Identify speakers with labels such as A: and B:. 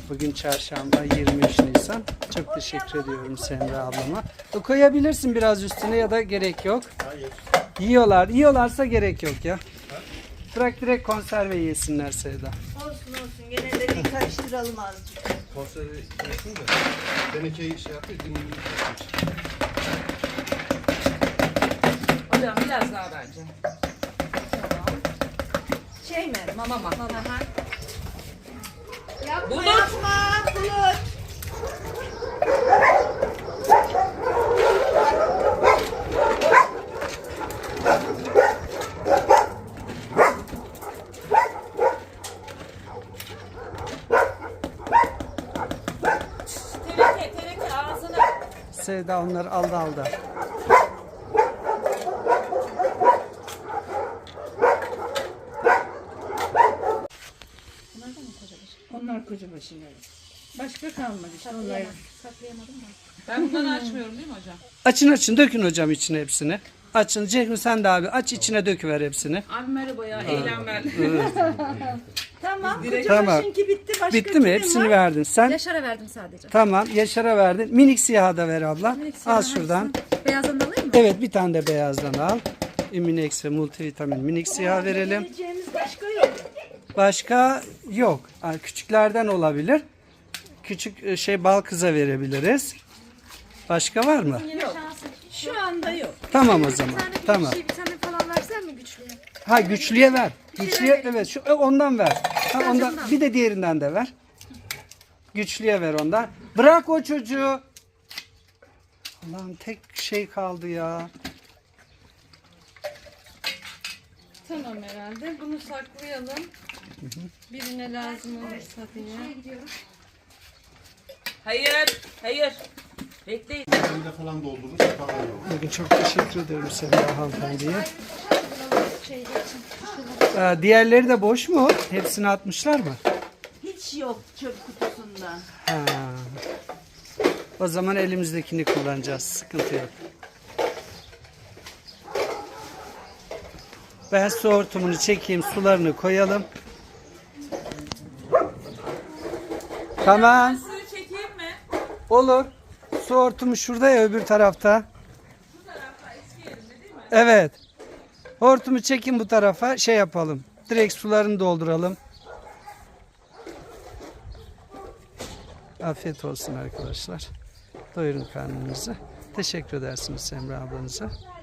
A: Bugün çarşamba 23 Nisan. Çok teşekkür ediyorum Semra ablama. Koyabilirsin biraz üstüne ya da gerek yok.
B: Hayır.
A: Yiyorlarsa gerek yok ya. Bırak direkt konserve yesinler Sevda.
C: Olsun gene de bir karıştıralım azıcık.
B: Konserve yesin de. Tenekeyi şey yapıyor. Dinleyin.
D: Hocam biraz daha bence.
C: Şey mi?
D: Mama.
C: Yapma
D: Bulut.
C: yapma Bulut.
D: Teneke ağzına.
A: Sevda onları aldı.
D: Onlar koca başına. Başka kalmadı işte onlar.
C: Saklayamadım da.
D: Ben bundan açmıyorum değil mi hocam?
A: Açın dökün hocam içine hepsini. Açın Cehmi sen de abi aç içine döküver hepsini.
D: Abi merhaba ya eğlenmel.
C: Tamam.
A: Tamam.
C: Kocabaşınki bitti. Başka
A: Bitti mi?
C: kimin
A: Hepsini
C: var?
A: verdin. Sen
E: Yaşar'a verdim sadece.
A: tamam Yaşar'a verdin. Minik siyahı da ver abla. Al şuradan.
E: Beyazdan alayım mı?
A: Evet bir tane de beyazdan al. Immunex ve multivitamin minik siyah verelim.
C: Vereceğimiz başka yok.
A: Başka yok. Yani küçüklerden olabilir. Küçük bal kıza verebiliriz. Başka var mı?
C: Şu anda yok.
A: Tamam o zaman. Tamam.
E: Bir tane falan versen mi güçlüye?
A: Ha güçlüye ver. Güçlüye evet şu ondan ver. Ha, ondan bir de diğerinden de ver. Güçlüye ver ondan. Bırak o çocuğu. Allah'ım tek şey kaldı ya.
D: Tamam herhalde. Bunu saklayalım. Birine lazım olursa diye. Hayır. Bekleyin.
B: Elinde falan doldurmuş. Falan yok.
A: Bugün çok teşekkür ederim Semra hanımefendiye. Diğerleri de boş mu? Hepsini atmışlar mı?
C: Hiç yok çöp kutusunda.
A: Ha. O zaman elimizdekini kullanacağız. Sıkıntı yok. Ben su hortumunu çekeyim, sularını koyalım. Tamam.
D: Suyu çekeyim mi?
A: Olur. Su hortumu şurada ya öbür tarafta. Evet. Hortumu çekin bu tarafa şey yapalım. Direkt sularını dolduralım. Afiyet olsun arkadaşlar. Doyurun karnınızı. Teşekkür edersiniz Semra ablanıza.